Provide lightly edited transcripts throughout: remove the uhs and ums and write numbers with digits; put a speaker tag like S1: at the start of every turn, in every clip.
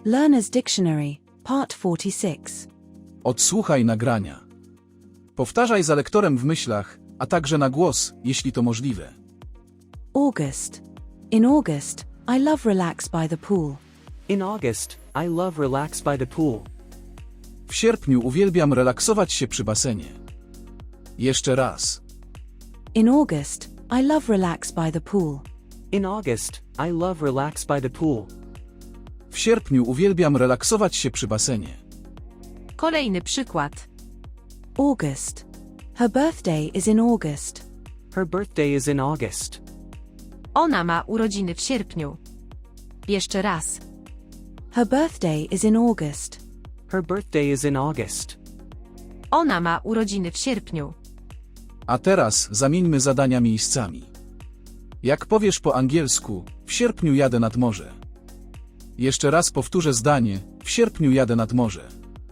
S1: Learner's Dictionary, Part 46.
S2: Odsłuchaj nagrania. Powtarzaj za lektorem w myślach, a także na głos, jeśli to możliwe.
S1: August. In August, I love relax by the pool.
S3: In August, I love relax by the pool.
S2: W sierpniu uwielbiam relaksować się przy basenie. Jeszcze raz.
S1: In August, I love relax by the pool.
S3: In August, I love relax by the pool.
S2: W sierpniu uwielbiam relaksować się przy basenie.
S4: Kolejny przykład.
S1: August. Her birthday is in August.
S3: Her birthday is in August.
S4: Ona ma urodziny w sierpniu. Jeszcze raz.
S1: Her birthday is in August.
S3: Her birthday is in August.
S4: Ona ma urodziny w sierpniu.
S2: A teraz zamieńmy zadania miejscami. Jak powiesz po angielsku, w sierpniu jadę nad morze. Jeszcze raz powtórzę zdanie, w sierpniu jadę nad morze.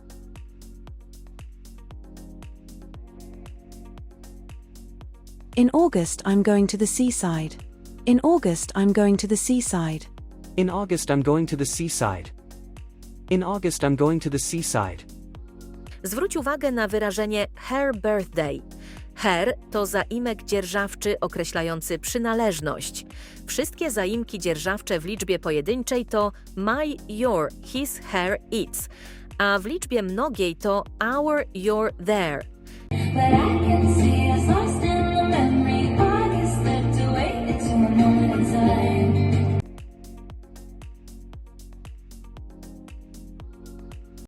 S1: In August, I'm going to the seaside. In August, I'm going to the seaside.
S3: In August, I'm going to the seaside. In August, I'm going to the seaside.
S5: Zwróć uwagę na wyrażenie her birthday. Her to zaimek dzierżawczy określający przynależność. Wszystkie zaimki dzierżawcze w liczbie pojedynczej to my, your, his, her, its, a w liczbie mnogiej to our, your, their.
S6: But I can